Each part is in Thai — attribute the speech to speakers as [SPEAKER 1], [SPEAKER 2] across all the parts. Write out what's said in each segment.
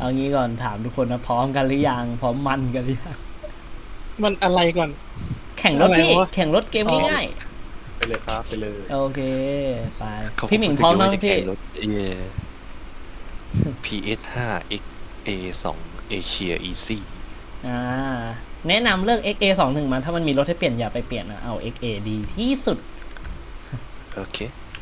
[SPEAKER 1] เอางี้ก่อนถามทุกคนนะพร้อมกันหรือยังพร้อมมันกันหรือยัง
[SPEAKER 2] มันอะไรก่อน
[SPEAKER 1] แข่งรถพี่
[SPEAKER 2] อะไรวะ
[SPEAKER 1] แข่งรถเกมง่าย
[SPEAKER 3] ไปเลยครับไปเลย
[SPEAKER 1] ๆโอเคไป
[SPEAKER 4] เขา
[SPEAKER 1] พี่หมิงพร้อมแล้ว
[SPEAKER 4] จะ
[SPEAKER 1] พี่
[SPEAKER 4] แข่งรถPS5 XA2 Asia Easy
[SPEAKER 1] อ่าแนะนำเลือก XA21 มาถ้ามันมีรถให้เปลี่ยนอย่าไปเปลี่ยนนะเอา XA ดีที่สุด
[SPEAKER 4] โอเค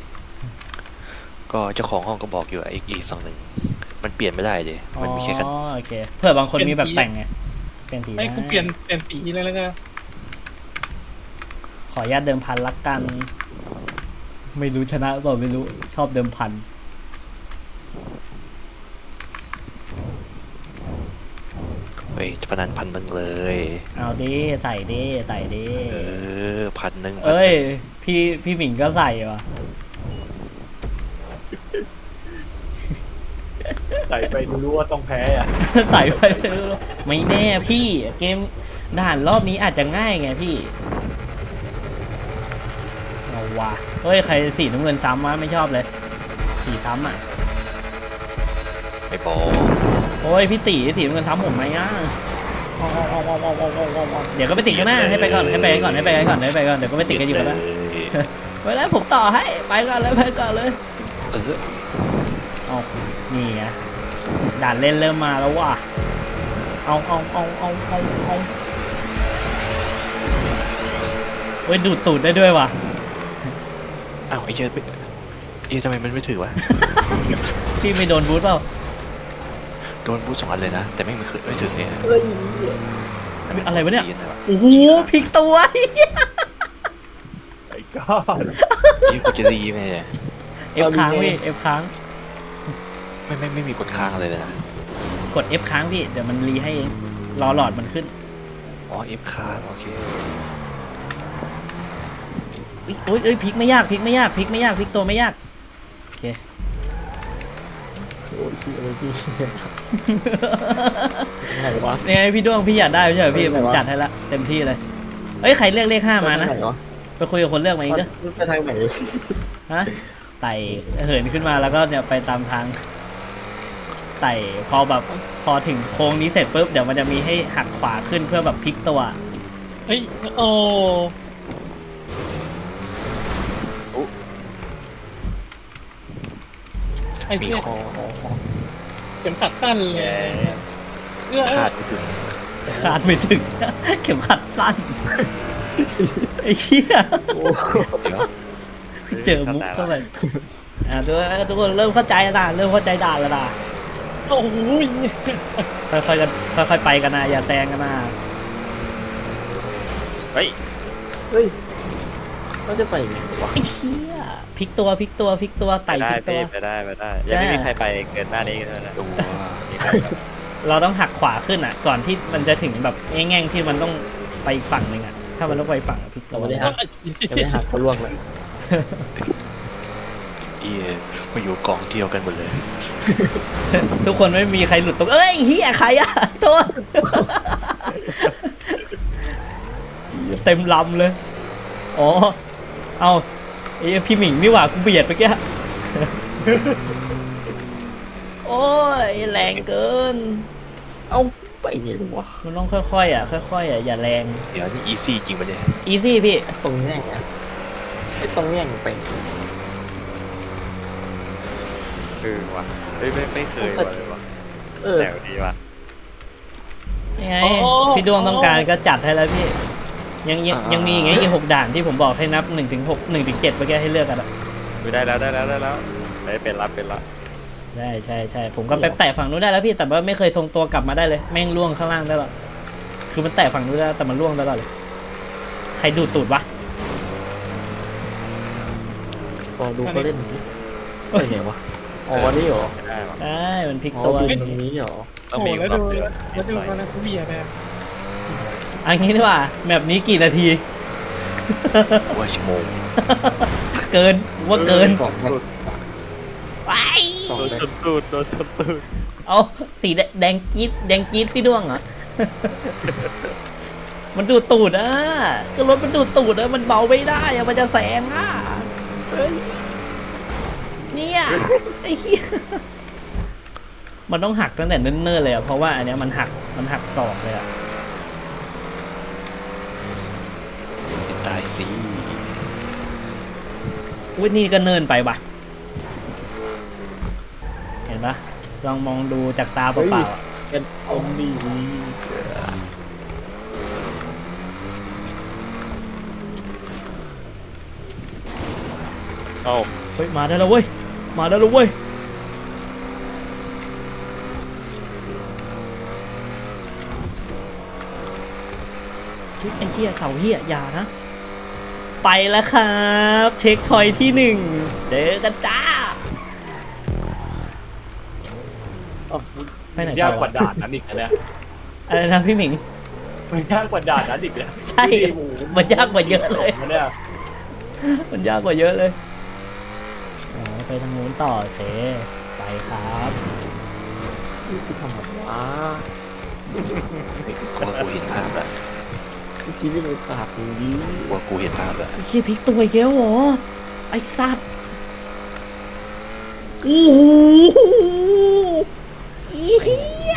[SPEAKER 4] ก็เจ้าของห้องก็บอกอยู่ว่า XA21 มันเปลี่ยนไม่ได้เลยมันมีแค่กัน
[SPEAKER 1] อ๋อโอเคเผื่อบางคนมีแบบแต่งไงเปลี่ยนสี
[SPEAKER 2] ไอ้กูเปลี่ยนสีเลยแล้วกัน
[SPEAKER 1] ขออนุญาตเดิมพันละกัน ไม่รู้ชนะหรือเปล่าไม่รู้ชอบเดิมพัน
[SPEAKER 4] เฮ้ยจะพนันพันหนึ่งเลย
[SPEAKER 1] เอาดิใส่ดิใส่ดิ
[SPEAKER 4] พันหนึ่ง
[SPEAKER 1] เอ้ยพี่หมิงก็ใส่ว่ะ
[SPEAKER 3] ใส่ไปรู้ว่าต้องแพ้อ่ะ
[SPEAKER 1] ใส่ไปไม่แน่พี่เกมด่านรอบนี้อาจจะง่ายไงพี่เอาว่ะเฮ้ยใครสีน้ำเงินซ้ำวะไม่ชอบเลยสีซ้ำอ่ะ
[SPEAKER 4] ไม่บอก
[SPEAKER 1] โอ้ยพี่ตีสีน้ำเงินซ้ำผมไหมอ่ะเดี๋ยวก็ไปติดกันหน้าให้ไปก่อนให้ไปก่อนให้ไปก่อนให้ไปก่อนเดี๋ยวก็ไปติดกันอยู่กันนะไว้แล้วผมต่อให้ไปก่อนเลยไปก่อนเลย
[SPEAKER 4] เออ
[SPEAKER 1] เอานี่ไงด่านเล่นเริ่มมาแล้วว่ะเอาเฮ้ยดูดตูดได้ด้วยว่ะ
[SPEAKER 4] อ้าวไอ้เหี้ยทำไมมันไม่ถือวะ
[SPEAKER 1] พี่ไม่โดนบูทเปล่า
[SPEAKER 4] โดนบูท2 อันเลยนะ แต่ไม่เคยไม่ถึงเนี่ย
[SPEAKER 3] เฮ้ย
[SPEAKER 1] อะไรวะเนี่ยโอ้โหพลิกตัว
[SPEAKER 3] ไอ้ก้อน
[SPEAKER 4] นี่กูจะดีไหมเนี่ย
[SPEAKER 1] เอฟค้างพี่เอฟค้าง
[SPEAKER 4] ไม่มีกดค้างอะไรเลยนะ
[SPEAKER 1] กด F ค้างพี่เดี๋ยวมันรีให้เองรอหลอดมันขึ้น
[SPEAKER 4] อ๋อ F ค้างโอเค
[SPEAKER 1] โอ้ยเอ้ยพลิกไม่ยากพลิกไม่ยากพลิกไม่ยากพลิกตัวไม่ยากโอเค
[SPEAKER 3] โอ้ยชี้อะไรพี่ไหนวะ
[SPEAKER 1] นี่ไงพี่ด้วงพี่อยากได้ไม่ใช่เหรอพี่
[SPEAKER 3] ไห
[SPEAKER 1] ผ
[SPEAKER 3] น
[SPEAKER 1] ม
[SPEAKER 3] วะ
[SPEAKER 1] จัดให้ละเต็มที่เลยเอ้ยใครเลือกเลข5มานะ
[SPEAKER 3] ไหนวะ
[SPEAKER 1] ไปคุยกับคนเลือกมาเองเด้อ
[SPEAKER 3] ไปทางไหน
[SPEAKER 1] ฮะไต่เหินขึ้นมาแล้วก็เนี่ยไปตามทางไต่พอแบบพอถึงโค้งนี้เสร็จปุ๊บเดี๋ยวมันจะมีให้หักขวาขึ้นเพื่อแบบพลิกตัว
[SPEAKER 2] เฮ้ยโอ้ไอ้
[SPEAKER 4] มี
[SPEAKER 2] เนี่ย
[SPEAKER 4] ข้อ
[SPEAKER 2] เข็มขัดสั้นเลยเอื้อ
[SPEAKER 4] คาดไม่ถึง
[SPEAKER 1] ขาดไม่ถึง เข็มขัดสั้นไอ้เหี้ย
[SPEAKER 3] โอ้
[SPEAKER 4] เดี๋ยว
[SPEAKER 1] เจอมุกเข้าไปทุกคนเริ่มเข้าใจแล้วนะเริ่มเข้าใจด่านแล้วนะ
[SPEAKER 2] โอ้ย
[SPEAKER 1] ค่อยๆกันค่อยๆไปกันนะอย่าแซงกันนะ
[SPEAKER 4] เฮ้ย
[SPEAKER 3] เฮ้ยเราจะไปไงวะ
[SPEAKER 1] ไอ้เหี้ยพลิกตัวพลิกตัวพลิกตัวไต่
[SPEAKER 5] ได้
[SPEAKER 1] พลิกตัว
[SPEAKER 5] พี่ไปได้ยังไม่มีใครไปเกินหน้านี้เลยนะ
[SPEAKER 4] ตัว
[SPEAKER 1] เราต้องหักขวาขึ้นอ่ะ ก่อนที่มันจะถึงแบบแง่งๆที่มันต้องไปอีกฝั่งหนึ่งอ่ะถ้ามันต้องไปฝั่งพลิกตัว
[SPEAKER 3] ไม่ได้หักจะไม่หักเขาล่วงเลย
[SPEAKER 4] มาอยู่กองเดียวกันหมดเลย
[SPEAKER 1] ทุกคนไม่มีใครหลุดตรงเอ้ยเฮียใครอะโทษ เต็มลำเลย อ๋อ เอาไอ้พี่หมิงนี่หว่ากูเบียดไปแก โอ้ยแรงเกิน
[SPEAKER 3] เอ้าไปไงวะ
[SPEAKER 1] มันต้องค่อยๆอ่ะค่อยๆอ่ะอย่าแรง
[SPEAKER 4] เดี๋ยวนี่อีซี่จริงปะเนี่ย
[SPEAKER 1] อีซี่พี่
[SPEAKER 3] ตรงแง่งอะไอ้ตรงแง่งไป
[SPEAKER 5] คือว่ะเฮ้ยไม่เคยว่ะเลยวะ
[SPEAKER 3] เออ
[SPEAKER 5] แนวดีว่ะ
[SPEAKER 1] ยังไงพี่ดวงต้องการก็จัดให้แล้วพี่ ยังมีไงอีก6 ด่านที่ผมบอกให้นับ1 ถึง 6 1 ถึง 7เมื่อกี้ให้เลือกกันอะ
[SPEAKER 5] ได้แล้วเป็นละ
[SPEAKER 1] ใช่ผมก็ไปแตะฝั่งนู้นได้แล้วพี่แต่ว่าไม่เคยทรงตัวกลับมาได้เลยแม่งล่วงข้างล่างได้หรอคือมันแตะฝั่งนู้นได้แต่มันล่วงตลอดเลยใครดูดตูดวะ
[SPEAKER 3] พอดูเขาเล่นเฮ้ยไงวะอ๋อนี่เหรอ
[SPEAKER 5] ไม่ได้ว่ะ
[SPEAKER 1] ใช่มันพลิก
[SPEAKER 3] อ๋อ
[SPEAKER 1] ตัว
[SPEAKER 3] บินตรงนี้เหรอ
[SPEAKER 5] ต้อง
[SPEAKER 2] โห
[SPEAKER 5] มี
[SPEAKER 2] แล้ว
[SPEAKER 5] ควา
[SPEAKER 2] ดู
[SPEAKER 5] มเดือด
[SPEAKER 2] แล้วดูกันนะกูเบียร์แบบ
[SPEAKER 1] อันนี้ดีกว่าแบบนี้กี่นาที
[SPEAKER 4] ว่าชั่วโมง
[SPEAKER 1] เกินว่าเกิน
[SPEAKER 3] สองมัน
[SPEAKER 1] ไป
[SPEAKER 3] สอง
[SPEAKER 5] โดน
[SPEAKER 3] เลย
[SPEAKER 5] ชนตูดโดนชนตูด
[SPEAKER 1] เอาสีแดงจี๊ดพี่ด้วงเหรอ มันดูดตูดอ่ะก็รถมันดูดตูดอ่ะมันเบาไม่ได้อ่ะมันจะแซงอ่ะเนี่ยไอ้เหี้ยมันต้องหักตั้งแต่เนิ่นๆเลยอะเพราะว่าอันเนี้ยมันหักศอกเลยอะ
[SPEAKER 4] ตายสิ
[SPEAKER 1] อุ้ยนี่ก็เนินไปว่ะเห็นปะลองมองดูจากตาเปล่าๆอะ
[SPEAKER 3] เป็นอมดี
[SPEAKER 2] เอา
[SPEAKER 1] เฮ้ยมาได้แล้วเว้ยมาได้แล้วเว้ยเฮ้ยไอ้เหี้ยเสาเหี้ยอย่านะไปแล้วครับเช็คพอยท์ที่หนึ่งเจอกันจ้าไปไหน
[SPEAKER 2] ยา
[SPEAKER 1] ต่
[SPEAKER 2] ก
[SPEAKER 1] อก
[SPEAKER 2] ว่าด่านนั้นอีกนะเนี่ย
[SPEAKER 1] อะไรนะพี่หมิง
[SPEAKER 2] มันยากกว่าด่านนั้นอีกเลย
[SPEAKER 1] ใช่มันยากกว่าเยอะเลย
[SPEAKER 2] เนี่ย
[SPEAKER 1] มันยากกว่าเยอะเลยอ๋อไปทางนู้นต่อโอเคไปครับ
[SPEAKER 3] ที่ทำแบบว้า
[SPEAKER 4] กูว่ากูเห็นภาพแล้ว
[SPEAKER 3] เมื่อกี้นี่มันขาดอย่างนี้
[SPEAKER 4] กูว่ากูเห็นภาพแล้ว
[SPEAKER 1] ไอ้เชี่ยพลิกตัวอีกแล้วเหรอไอ้สัตว์โอ้โหอีเหี้ย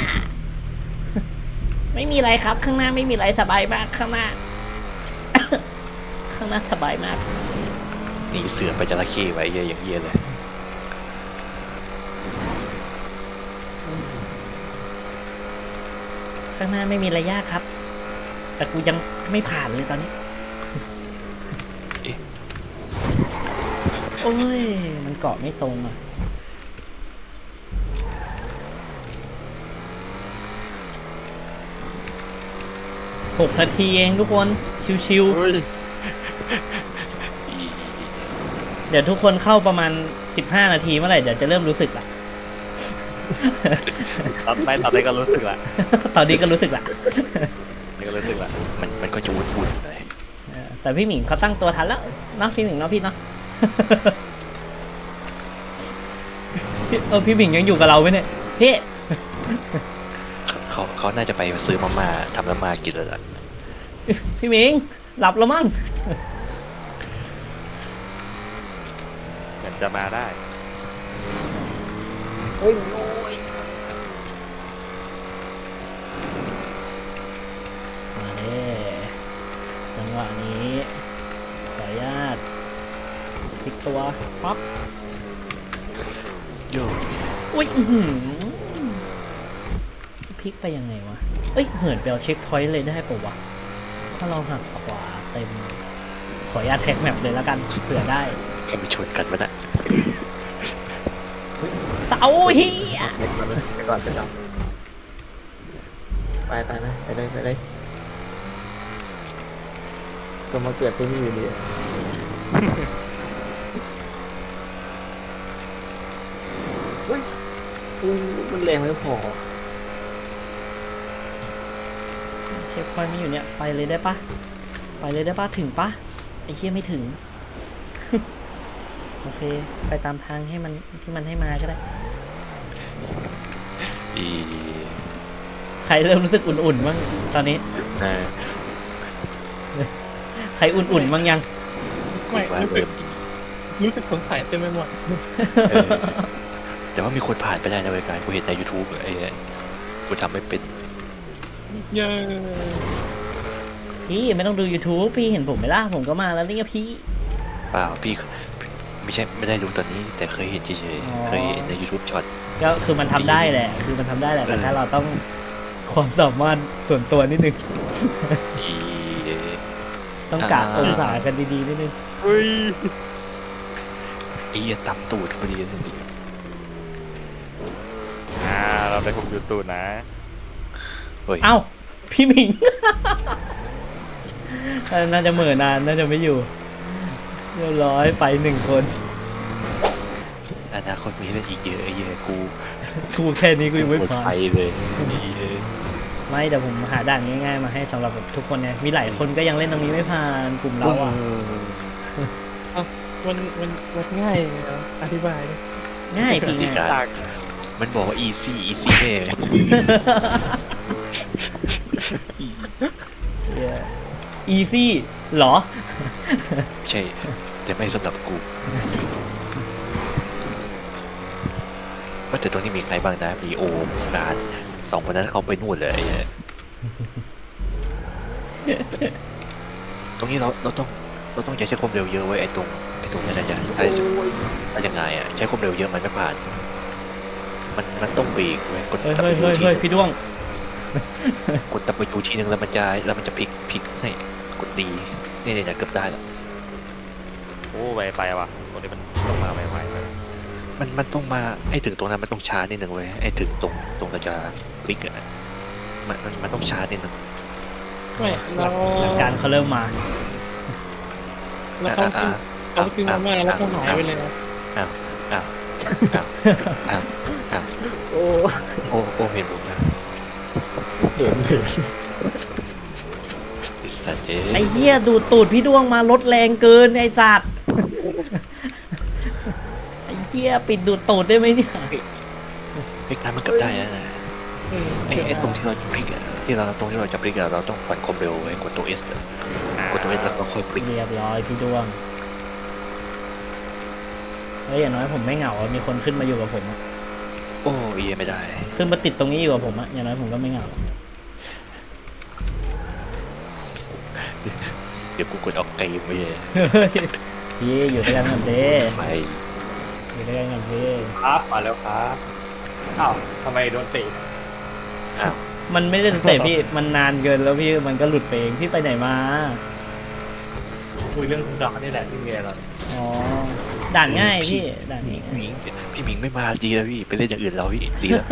[SPEAKER 1] ไม่มีอะไรครับข้างหน้าไม่มีอะไรสบายมากข้างหน้า ข้างหน้าสบายมาก
[SPEAKER 4] หนีเสือไปจระเข้ไว้เหี้ยอย่างเหี้ยเลย
[SPEAKER 1] ข้างหน้าไม่มีอะไรยากครับ แต่กูยังไม่ผ่านเลยตอนนี้
[SPEAKER 4] เอ๊ะ
[SPEAKER 1] โอ้ยมันเกาะไม่ตรงอ่ะ6 นาทีเองทุกคนชิวๆเดี๋ยวทุกคนเข้าประมาณ15 นาทีเมื่อไหร่เดี๋ยวจะเริ่มรู้สึกละ
[SPEAKER 5] ตอนนี้ก็รู้สึกละ
[SPEAKER 1] ตอนนี้ก็รู้สึกละ
[SPEAKER 5] นี่ก็รู้สึกละ
[SPEAKER 4] มันก็จะวุ่นๆเลย
[SPEAKER 1] แต่พี่หมิงเขาตั้งตัวทันแล้วเนาะพี่หมิงเนาะพี่เนาะ พี่หมิงยังอยู่กับเราไหมเนี่ยพี่
[SPEAKER 4] เขาน่าจะไปซื้อมาม่าทำมาม่ากินแล้วล่ะ
[SPEAKER 1] พี่หมิงหลับแล้วมั้ง
[SPEAKER 5] เหมือนจะมาได้
[SPEAKER 3] เฮ้ยโอ้ย
[SPEAKER 1] มาเด้จังหวะนี้ขออนุญาตพลิกตัวปั๊บ
[SPEAKER 4] โย่
[SPEAKER 1] อุ้ยอื้อหือจะพลิกไปยังไงวะเอ้ยเหินไปเอาเช็คพอยต์เลยได้ปะวะถ้าเราหักขวาเต็มขออนุญาตแท็กแมปเลยแล้วกันเผื่อได้
[SPEAKER 4] แค่ไปชนกันวะน่ะ
[SPEAKER 1] เสาเฮีย
[SPEAKER 3] ไปก่อนไปก่อนไปนะไปเลยก็มาเกิดที่นี่อยู่ดีเฮ้ยมันแรงไม่พอ
[SPEAKER 1] เช็คพอยต์มีอยู่เนี่ยไปเลยได้ปะไปเลยได้ปะถึงปะไอ้เฮียไม่ถึง โอเคไปตามทางให้มันที่มันให้มาก็ได้
[SPEAKER 4] อี
[SPEAKER 1] ใครเริ่มรู้สึกอุ่นๆบ้างตอนนี้
[SPEAKER 4] น่า
[SPEAKER 1] ใครอุ่นๆบ้างยัง
[SPEAKER 2] ไม่
[SPEAKER 4] ว่า
[SPEAKER 2] รู้สึ
[SPEAKER 4] เริ่
[SPEAKER 2] ก
[SPEAKER 4] ม
[SPEAKER 2] รู้สึกสงสัยเต็มไปหมด
[SPEAKER 4] เออแต่ว่ามีคนผ่านไปได้นะเว้ยกายกูเห็นใน YouTube ไอ้เนี่ยกูทำไม่เป็น
[SPEAKER 2] เย้
[SPEAKER 1] พี่ไม่ต้องดู YouTube พี่เห็นผมไหมล่ะผมก็มาแล้วนี่ไงพี่
[SPEAKER 4] เปล่าพี่ไม่ได้รู้ตอนนี้ แต่เคยเห็นเฉย
[SPEAKER 1] อ๋อ
[SPEAKER 4] ๆเคยเห็นใน YouTube ช็อต
[SPEAKER 1] ก็คือมันทำได้แหละคือมันทำได้แหละแต่ถ้าเราต้องความสามารถส่วนตัวนิดนึง
[SPEAKER 4] อี
[SPEAKER 1] ต้องกะองศากันดีๆนิดนึง
[SPEAKER 5] เฮ้ย
[SPEAKER 4] ไอ้เหี้ยต่ำตูดพอดีเลย
[SPEAKER 5] เราไปคุมยูทูบนะ
[SPEAKER 4] เฮ้ย
[SPEAKER 1] เอ้าพี่หมิง น่าจะเหม่อนานน่าจะไม่อยู่เรียบร้อยไป1 คน
[SPEAKER 4] อนาคตมีเล่นอีกเยอะไอ้เหี้ยกู
[SPEAKER 1] กูแค่นี้กูยังไม่
[SPEAKER 4] หมด
[SPEAKER 1] พอ
[SPEAKER 4] ไฟเลยนี่เลย
[SPEAKER 1] ไม่แต่ผมหาด่านง่ายๆมาให้สำหรับแบบทุกคนเนี่ยมีหลายคนก็ยังเล่นตรงนี้ไม่ผ่านกลุ่มเราอ่ะ
[SPEAKER 2] มันง่ายเหรออธิบายดิ
[SPEAKER 1] ง่ายพี่
[SPEAKER 4] ที่
[SPEAKER 1] ง่าย
[SPEAKER 4] การมันบอกว่า easy แน่
[SPEAKER 1] อีซี่เหรอ
[SPEAKER 4] ไม่ใช่ แต่ไม่สำหรับกูว่าแต่ตรงนี้มีใครบ้างนะมีโอมงานสองคนนั้นเขาไปนู่นเลยไอ้เนี่ยตรงนี้เราต้องใช้ความเร็วเยอะไว้ไอ้ตรงนี้นะจ๊ะถ้ายังไงอ่ะใช้ความเร็วเยอะมันไม่ผ่านมันต้องเบรกไว้กด
[SPEAKER 1] เฮ้ย
[SPEAKER 4] ตับ
[SPEAKER 1] เฮ้ย
[SPEAKER 4] ไป
[SPEAKER 1] เฮ้ย
[SPEAKER 4] ที
[SPEAKER 1] พี่ด้วง
[SPEAKER 4] กดตับไปทีนึงแล้วมันจะพลิกให้กดดีนี่เนี่ยเกือบได้แล้ว
[SPEAKER 5] โอ้ไปว่ะตรงนี้มันต้องมาใหม่ๆเลย
[SPEAKER 4] มันต้องมาให้ถึงตรงนั้นมันต้องช้านิดนึงเว้ยให้ถึงตรงเราจะพลิกอ่ะมันต้องช้านิดนึง
[SPEAKER 2] ไม่เรา
[SPEAKER 1] หลักการเขาเริ่มมา
[SPEAKER 2] แล้วเขากินมาม่าแล้วเขาหายไปเลยนะ
[SPEAKER 4] อ้าว
[SPEAKER 3] โอ้
[SPEAKER 4] โอ้เห็นผมนะ
[SPEAKER 3] เห็น
[SPEAKER 4] ไอ้สัตว์เอ้
[SPEAKER 1] ไอ้
[SPEAKER 4] ย
[SPEAKER 1] เหี้ยดูดตูดพี่ด้วงมารถแรงเกินไอ้สัตว์ ไอ้เหี้ยปิดดูดตูดได้ไหมเนี่ย
[SPEAKER 4] ไอ้การมันเกือบได้นะไอ้ตรงที่เราจะพลิกอะตรงที่เราจะพลิกอะเราต้องผ่อนความเร็วไว้กดตัว S อะกดตัว S แล้วก็ค่อยพลิก
[SPEAKER 1] เรียบร้อยพี่ด้วงเฮ้ยอย่างน้อยผมไม่เหงาอะมีคนขึ้นมาอยู่กับผมอะ
[SPEAKER 4] โอ้ยไม่ได้
[SPEAKER 1] ขึ้นมาติดตรงนี้อยู่กับผมอะอย่างน้อยผมก็ไม่เหงา
[SPEAKER 4] เดี๋ยวกูกดออกเกมไปเลย
[SPEAKER 1] พี่อยู่ด้วยกันกันเด้
[SPEAKER 4] ไป
[SPEAKER 1] อยู่ด้วยกันกันเด้
[SPEAKER 5] ครับมาแล้วครับอ้าวทำไมโดนเตะ
[SPEAKER 4] อ้าว
[SPEAKER 1] มันไม่ได้เตะพี่มันนานเกินแล้วพี่มันก็หลุดไปเองพี่ไปไหนมา
[SPEAKER 5] คุยเรื่องดอกนี่แหละที่เมียเรา
[SPEAKER 1] อ๋อด่านง่ายพี่ด่าน
[SPEAKER 4] พี่
[SPEAKER 1] ง่าย
[SPEAKER 4] หมิงพี่หมิงไม่มาดีแล้วพี่ไปเล่นอย่างอื่นเราพี่ดีแล้ว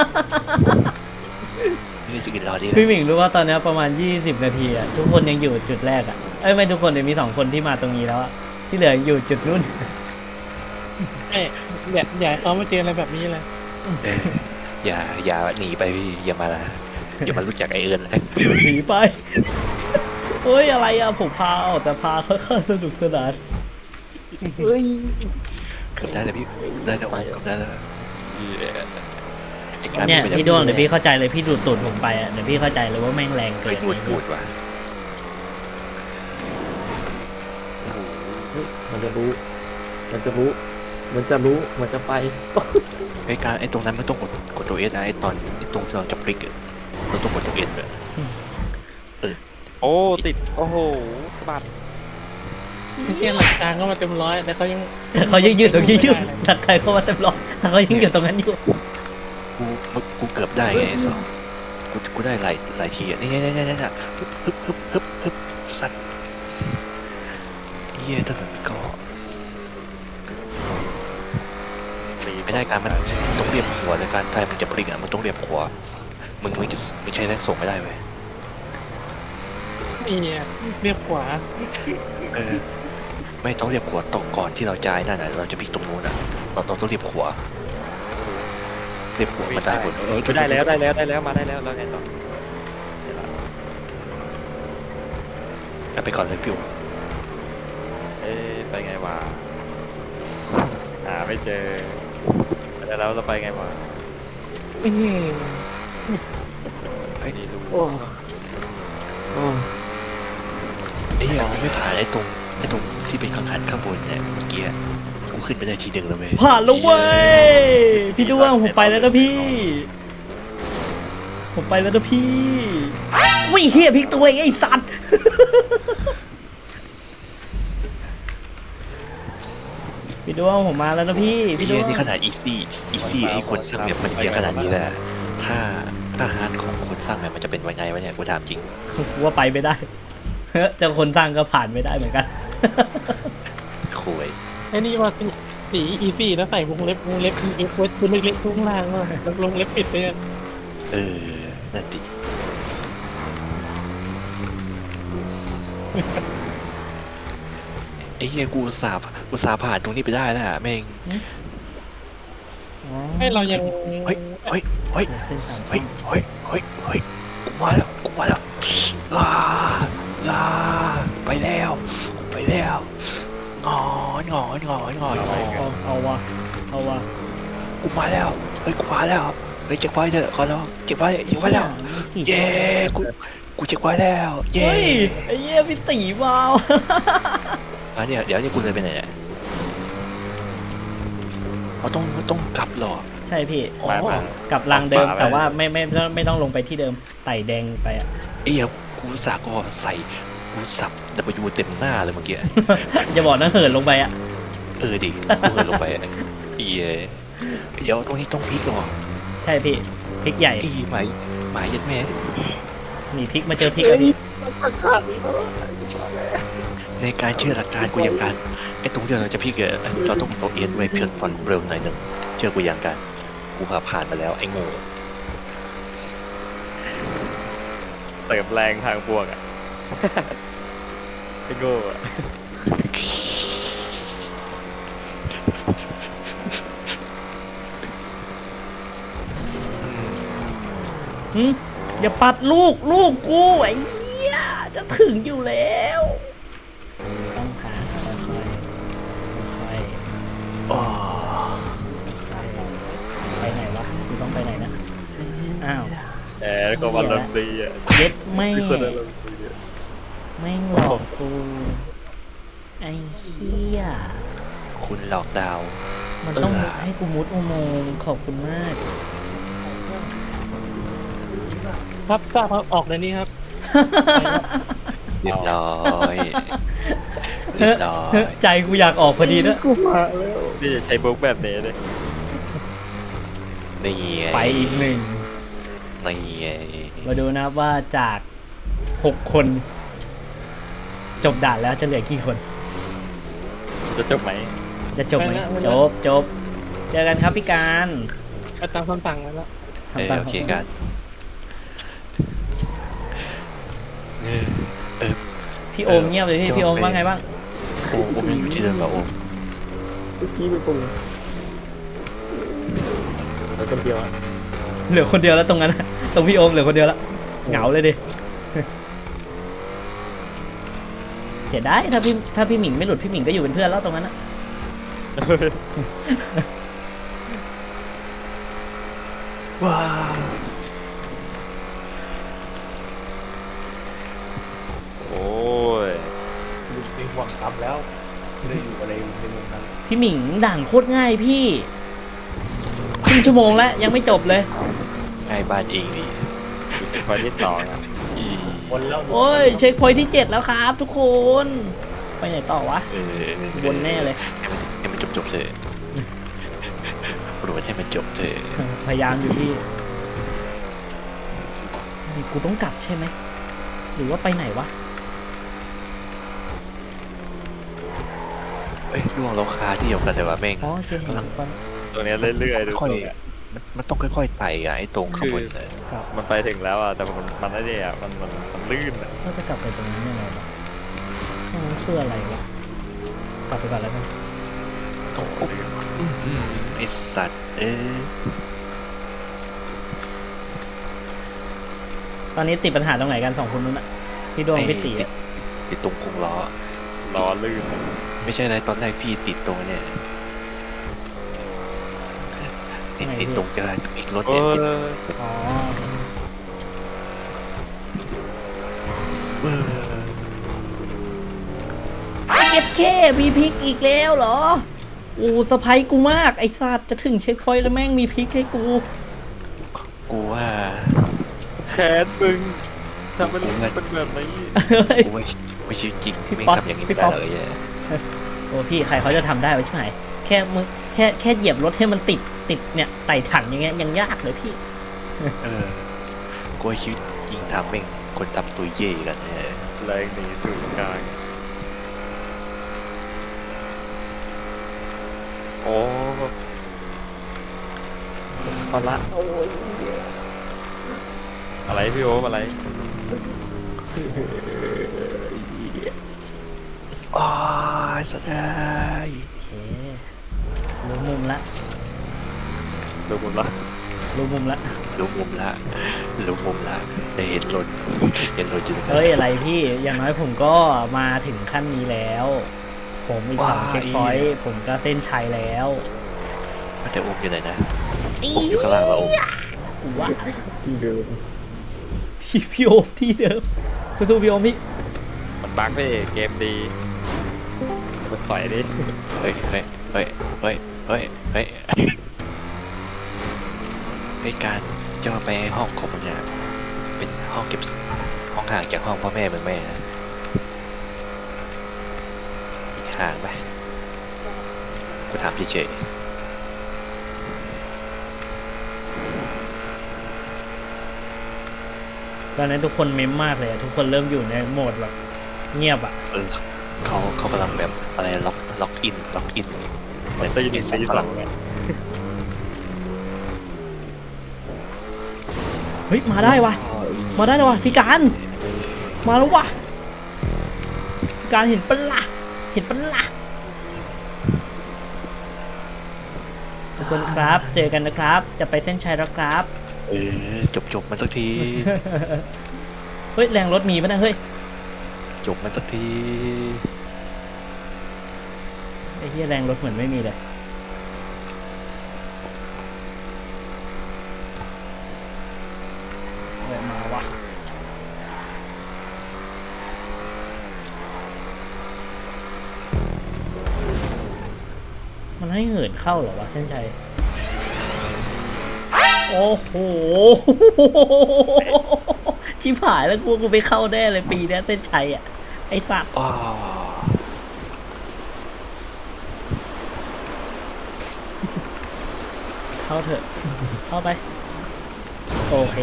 [SPEAKER 4] เล่นอย่างอื่นเราดีแล้ว
[SPEAKER 1] พี่หมิงรู้ว่าตอนนี้ประมาณ20 นาทีอะทุกคนยังอยู่จุดแรกอะเอ้ยไม่ทุกคนเดี๋ยวมี2 คนที่มาตรงนี้แล้วอะที่เหลืออยู่จุดนู่น
[SPEAKER 2] ไม่อยากให้เขามาเจออะไรแบบนี้เลย
[SPEAKER 4] เอออย่าหนีไปพี่อย่ามารู้จักไอเอิญเลย
[SPEAKER 1] หนีไปเฮ้ยอะไรอะผมพาออกจะพาเขาเข้าสนุกสนาน
[SPEAKER 3] เฮ้ย
[SPEAKER 4] เกือบได้แล้วพี่ได้แล้วได้แล้วไอ้การ
[SPEAKER 1] เนี่ย
[SPEAKER 4] ไม่ไ
[SPEAKER 1] พี่ด้วงเดี๋ยวพี่เข้าใจเลยพี่ดูดตูดผมไปอะเดี๋ยวพี่เข้าใจเลยว่าแม่งแรงเกิ
[SPEAKER 4] ไม่
[SPEAKER 1] น
[SPEAKER 4] พูดว่ะ
[SPEAKER 3] มันจะรู้มันจะไป
[SPEAKER 4] ไอ้การไอ้ตรงนั้นมันต้องกดตัวเอสไอ้ตอนไอ้ตรงที่เราจะพลิกอะเราต้องกดตัวเอสเลย
[SPEAKER 5] โอ้ติดโอ้โหสะบัด
[SPEAKER 2] ไม่ใช่หลักการก็มาเต็มร้อยแต่เขายัง
[SPEAKER 1] แต่เขายังยืดตรงนี้อยู่ถ้าใครเข้ามาเต็มร้อยแต่เขายังอยู่ตรงนั้นอยู่
[SPEAKER 4] กูเกือบได้ไงไอ้สองกูได้หลายทีอ่ะนี่ฮึบสัตว์เย่ถนนมันก็ไม่ได้การมันต้องเรียบหัวในการไทยมันจะพลิกอ่ะมันต้องเรียบหัวมึงใช้แรงส่งไม่ได้เว้ย
[SPEAKER 2] นี่เนี่ยเรียบขวา
[SPEAKER 4] เออไม่ต้องเรียบหัวตกก่อนที่เราจะไอ้นั่นน่ะเราจะพลิกตรงนู้นอ่ะเราต้องเรียบหัวมันได้ผล
[SPEAKER 5] ได้แล้วมาได้แล้วแล้วไงต่อเดี๋ยวละ
[SPEAKER 4] เอาไปก่อนเลยพี่
[SPEAKER 5] ไปไงวะหาไม่เจอแล้วเราไปไงวะ
[SPEAKER 2] อื้อหือ
[SPEAKER 5] นี่ดู
[SPEAKER 3] โอ้โอ้
[SPEAKER 4] ไอ้เหี้ยกูไม่ผ่านไอ้ตรงที่เป็นกังหันข้างบนเนี่ยเมื่อกี้กูขึ้นไปได้ทีหนึ่งแล้วเว้ย
[SPEAKER 1] ผ่านแล้วเว้ยพี่ด้วงผมไปแล้วนะพี่ ผมไปแล้วนะพี่วิ่งเฮียพลิกตัวเองไอ้สัตว์พี่ด้วงผมมาแล้วนะพี่
[SPEAKER 4] ไอ้
[SPEAKER 1] พี่ด้
[SPEAKER 4] เหี้
[SPEAKER 1] วย ง
[SPEAKER 4] นี่ขนาดอีซี่ไอ้คนสร้างแบบมันเหี้ยขนาดนี้แหละถ้าฮาร์ดของคนสร้างแบบมันจะเป็นไงวะเนี่ยกูถามจริง
[SPEAKER 1] กูว่าไปไม่ได้ แต่คนสร้างก็ผ่านไม่ได้เหมือนกัน
[SPEAKER 4] คุย
[SPEAKER 2] ไอ้นี่ว่าสีอีซี่แล้วใส่วงเล็บEX ไว้ตัวเล็กๆข้างล่างว่าแล้ววงเล็บปิดไปอ่ะ
[SPEAKER 4] เออนั่นดิไอ้เหี้ยกูอุตส่าห์ผ่านตรงนี้ไปได้แล้วอะแม่ง
[SPEAKER 2] ให้เรายัง
[SPEAKER 4] เฮ้ย
[SPEAKER 1] ขึ้นสาม
[SPEAKER 4] เฮ้ยกูมาแล้วลาไปแล้วงอน
[SPEAKER 1] เอาวะ
[SPEAKER 4] กูมาแล้วเฮ้ยเจ็บไว้เถอะขอร้องเจ็บไว้แล้ว เย้กูเจ็บไว้แล้วเย้
[SPEAKER 1] เฮ้ยไอ้เหี้ยพี่ตีว้าว
[SPEAKER 4] เนี่ยเดี๋ยวนี่กูเลยไปไหนเนี่ยเราต้องกลับเหรอ
[SPEAKER 1] ใช่พี่
[SPEAKER 5] มา
[SPEAKER 1] กับรางเดิม
[SPEAKER 5] ขวาไป
[SPEAKER 1] แต่ว่าไม่ต้องลงไปที่เดิมไต่แดงไปอะ
[SPEAKER 4] ไอ้เหี้ยกูสาก็ใส่กูสับ W เต็มหน้าเลยเมื่อกี้
[SPEAKER 1] อย่าบอกนะเหินลงไปอะ
[SPEAKER 4] ดิกูเหินลงไปอะเดี๋ยวตรงนี้ต้องพลิกหรอ
[SPEAKER 1] ใช่พี่พริกใหญ่
[SPEAKER 4] หมายยัดแม่
[SPEAKER 1] หนีพริกมาเจอพริกอะพี่
[SPEAKER 4] ในการเชื่อหลักการกูยังการไอ้ตรงที่เราจะพลิกเราต้องเอาเอ็นไว้เพียงผ่อนเร็วหน่อยหนึ่งเชื่อกูยังการกูผ่านมาแล้วไอ้โง่
[SPEAKER 5] เติมแรงทางบวกอ่ะ ไอ้โง่อะ
[SPEAKER 1] อย่าปัดลูกกูไอ้เหี้ยจะถึงอยู่แล้วต้องหาค่อยๆ
[SPEAKER 4] อ๋อ
[SPEAKER 1] ไปไหนวะกูต้องไปไหนนะ อ้าว
[SPEAKER 5] แล้วก็วันลำดีอ่ะ
[SPEAKER 1] เย็ดไม่
[SPEAKER 5] ทุกคนอารมณ์ดีอะ
[SPEAKER 1] ไม่งหลอกกู ไอ้เหี้ย
[SPEAKER 4] คุณหลอกดาว
[SPEAKER 1] มันต้องให้กูมุดอุโมงค์ขอบคุณมาก
[SPEAKER 2] ครับทราบครับออกในนี้ครับ
[SPEAKER 4] เรียบร้อยเรียบร้อย
[SPEAKER 1] ใจกูอยากออกพอดีนะ
[SPEAKER 5] พี่จะใช้บุ๊กแบบนี้เลย
[SPEAKER 4] นี่ไง
[SPEAKER 1] ไปอีกหนึ่ง
[SPEAKER 4] นี่ไง
[SPEAKER 1] มาดูนะครับว่าจาก6 คน จบด่านแล้วจะเหลือกี่คน
[SPEAKER 5] จะจบไหม
[SPEAKER 1] จะจบไหม
[SPEAKER 2] ไม่
[SPEAKER 1] จ
[SPEAKER 2] แล้ว
[SPEAKER 1] บจบ เจอกันครับพี่การ
[SPEAKER 2] ก็ตามคำสั่งแล้ว
[SPEAKER 1] ทำตาม
[SPEAKER 4] โอเคกันเออ
[SPEAKER 1] พี่โอมเงียบเลยพี่โอมว่าไงบ้าง
[SPEAKER 4] โอ้ผมยังอยู่ที่เดิมกับโอม
[SPEAKER 3] พี่ไปตรงแล้วคนเดียวอะ
[SPEAKER 1] เหลือคนเดียวแล้วตรงนั้นนะตรงพี่โอมเหลือคนเดียวแล้วเหงาเลยดิเสียดายถ้าพี่หมิงไม่หลุดพี่หมิงก็อยู่เป็นเพื่อนแล้วตรงนั้นนะ
[SPEAKER 4] ว้าว
[SPEAKER 5] โอ้ย
[SPEAKER 3] มีหวังกรรมแล้วไม่ได้อยู่อะไรในเมืองนั้น
[SPEAKER 1] พี่หมิงด่านโคตรง่ายพี่ครึ่งชั่วโมงแล้วยังไม่จบเลย
[SPEAKER 4] ง่ายบ้านเองดิ
[SPEAKER 5] เป็นคนที่สองอ่ะ
[SPEAKER 4] อี
[SPEAKER 3] วนแล้ว
[SPEAKER 1] โอ้ยเช็คพอยท์ที่ 7 แล้วครับทุกคน ไปไหนต่อวะ วนแน่เลย
[SPEAKER 4] ให้มันจบเถอะโปรดให้มันจบเถอะ
[SPEAKER 1] พยายามอยู่พี่นี่กูต้องกลับใช่ไหมหรือว่าไปไหนวะ
[SPEAKER 4] เอ้ยล่วงเราคาที่เดียวกันแต่ว่าแม่ง
[SPEAKER 1] อ๋อโอเคเห็นแล้ว
[SPEAKER 5] ตัวเนี้ยเรื่อยๆดู
[SPEAKER 4] ค่อย
[SPEAKER 5] ตรงอะ
[SPEAKER 4] มันต้องค่อยๆไต่อะไอ้ตรงข้างบนเลย
[SPEAKER 1] กลับ
[SPEAKER 5] มันไปถึงแล้วอ่ะแต่มันไอ้เนี่ยมันลื่นอ่ะ
[SPEAKER 1] ก็จะกลับไปตรงนั้นยังไงวะตรงนั้นคืออะไรวะกลับไปก่อนแล้วกัน
[SPEAKER 4] โอ้โหไอ้สัตว์
[SPEAKER 1] ตอนนี้ติดปัญหาตรงไหนกัน2 คนนู้นอะพี่ดวงพี่ตีอะ
[SPEAKER 4] ติดตรงกรงล้อ
[SPEAKER 5] ล้อลื่นอะ
[SPEAKER 4] ไม่ใช่อะไรตอนแรกพี่ติดตรงเนี่ยติดตรงจะพลิกรถ
[SPEAKER 5] โอ้
[SPEAKER 4] เนี่ย
[SPEAKER 5] ย
[SPEAKER 1] อ๋อ เก็บแค่มีพริกอีกแล้วเหรออูสะพายกูมากไอ้สัตว์จะถึงเช็คพอยต์แล้วแม่งมีพริกให้กู
[SPEAKER 4] กูว่า
[SPEAKER 5] แขนมึงทำเป็นแบบนี้
[SPEAKER 4] กูไม่ชีวิตจริง
[SPEAKER 1] พี่
[SPEAKER 4] ไม่
[SPEAKER 1] ป๊อป
[SPEAKER 4] ทำอย่างนี้
[SPEAKER 1] พี่
[SPEAKER 4] ไม่
[SPEAKER 1] ป๊
[SPEAKER 4] ได้
[SPEAKER 1] อป
[SPEAKER 4] เลยเนี่ย
[SPEAKER 1] โอ้พี่ใครเขาจะทำได้วะใช่ไหมแค่มึงแค่เหยียบรถให้มันติดเนี่ยไต่ถังอย่างเงี้ยยังยากเลยพี่
[SPEAKER 4] กูว่าชีวิตจริงทำแม่งคนทำตัวเย่กันเนี่ย
[SPEAKER 5] แรงหนีสู่กลางโอ้
[SPEAKER 3] เอาละโอ้ย
[SPEAKER 5] อะไรพี่โอ๊อะไร
[SPEAKER 4] อ้าวสดาย
[SPEAKER 1] โอเครู้มุมละ
[SPEAKER 5] ดูผมละ
[SPEAKER 1] รู้มุมละ
[SPEAKER 4] รู้มุมละได้เห็นรถอยู่ตรงนั้น
[SPEAKER 1] เฮ้ยอะไรพี่อย่างน้อยผมก็มาถึงขั้นนี้แล้ว ผมอีก2 เช็คพอยต์ผมก็เส้นชัยแล้ว
[SPEAKER 4] แต่โอมอยู่ไหนนะโอมอยู่ข้างล่างแล้วโอม
[SPEAKER 1] กูว่า
[SPEAKER 3] ที่เดิม
[SPEAKER 1] ที่พี่โอมที่เดิมสู้ๆพี่โอมพี่
[SPEAKER 5] มันบั๊กพี่เกมดีมันสอยดิ
[SPEAKER 4] เฮ้ยในการจะไปห้องของมึงเนี่ยเป็นห้องเก็บห้องห่างจากห้องพ่อแม่มึงไหมนะห่างไหมกูถามเฉย
[SPEAKER 1] ตอนนั้นทุกคนเมมมากเลยอะทุกคนเริ่มอยู่ในโหมดแบบเงียบอ่ะ
[SPEAKER 4] ๆเขากำลังแบบอะไรล็อกอินเหมือน
[SPEAKER 5] ได้ยิน
[SPEAKER 4] เป็
[SPEAKER 5] เสียง
[SPEAKER 4] ฝรั่ง
[SPEAKER 5] เนี่ย
[SPEAKER 1] เฮ้ยมาได้วะมาได้แล้ววะพี่การมาแล้ววะพี่การเห็นปะล่ะเห็นปะล่ะทุกคนครับเจอกันนะครับจะไปเส้นชัยแล้วครับ
[SPEAKER 4] จบมันสักที
[SPEAKER 1] เฮ้ยแรงรถมีปะเนะเฮ้ย
[SPEAKER 4] จบมันสักที
[SPEAKER 1] ไอ้เหี้ยแรงรถเหมือนไม่มีเลยเฮ้ยมาวะมันให้เหินเข้าเหรอวะเส้นชัยโอ้โห ชิบหายแล้วกูไปเข้าแน่เลยปีเนี้ยเส้นชัยอ่ะไอ้สัตว์
[SPEAKER 4] อ้าว
[SPEAKER 1] เข้าเถอะ เข้าไป โอเค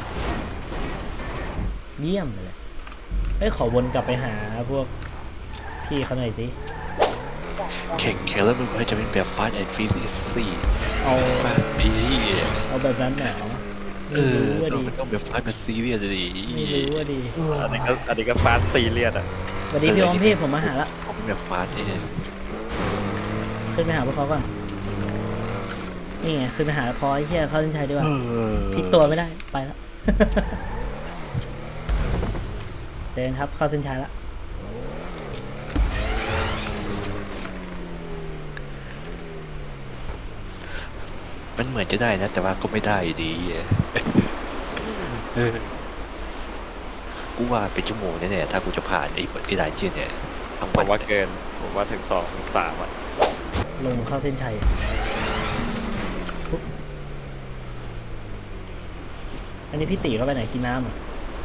[SPEAKER 1] เยี่ยมเลยเฮ้ยขอวนกลับไปหาพวกพี่เขาหน่อยสิ
[SPEAKER 4] แข่งแล้วมันจะเป็นแบบ Fast and Furious
[SPEAKER 1] เอา
[SPEAKER 4] 4ปี
[SPEAKER 1] เอาแบบนั้นหนาว
[SPEAKER 4] เอ
[SPEAKER 1] ไม่
[SPEAKER 4] อ
[SPEAKER 1] รู้ว่าดี
[SPEAKER 4] มันต้องแบบ Fast แบบ Serious ดิ
[SPEAKER 1] ไม่รู้ว่าดี
[SPEAKER 5] อันนี้ก็ฟาสซีเรียสอ่ะ
[SPEAKER 1] สวัสดีพี่อมพี่ผมมาหาละ
[SPEAKER 4] ผมแบบ Fast เอง
[SPEAKER 1] ขึ้นไปหาพวกเขาก่อน นี่ไงขึ้นไปหาพอไอ้เหี้ยเข้าเส้นชัยดีกว่าพลิกตัวไม่ได้ไปแล้ว เจนครับเข้าเส้นชัยละ
[SPEAKER 4] มันเหมือนจะได้นะ แต่ว่าก็ไม่ได้อยู่ดีเออกูว่าเป็นชั่วโมงแน่ๆถ้ากูจะผ่านไอ้ที่ได้เชี่ยเนี่ยทั้ง
[SPEAKER 5] ผ
[SPEAKER 4] วัน
[SPEAKER 5] มว่าเกิน ผมว่าถึง2 ถึง 3อ่ะ
[SPEAKER 1] ลงเข้าเส้นชัยปุ๊บอันนี้พี่ตีเขาไปไหนกินน้ำอ่ะ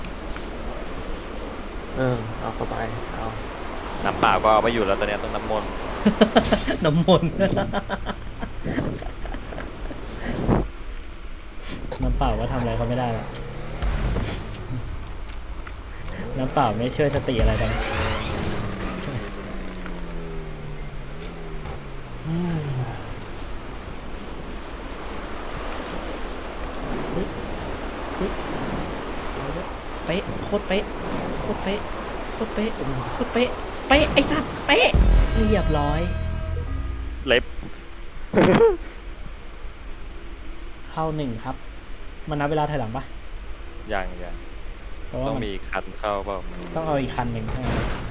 [SPEAKER 3] เอาเข้าไปเอา
[SPEAKER 5] น้ำเปล่าก็เอาไปอยู่แล้วตอนเนี้ยต้องน้ำมนต์
[SPEAKER 1] น้ำมนต์ น้ำเปล่าก็ทำอะไรเขาไม่ได้ละน้ำเปล่าไม่ช่วยสติอะไรกันเป๊ะโคตรเป๊ะโคตรเป๊ะโคตรเป๊ะโคตรเป๊ะเป๊ะไอ้สัตว์เป๊ะเรียบร้อย
[SPEAKER 5] เล็บ
[SPEAKER 1] เข้าหนึ่งครับ มันนับเวลาถอยหลังปะ
[SPEAKER 5] ยัง
[SPEAKER 1] เพราะว่า
[SPEAKER 5] ต้อง
[SPEAKER 1] มัน
[SPEAKER 5] มีคันเข้าเปล่า
[SPEAKER 1] ต้องเอาอีกคันหนึ่งใช่ไหม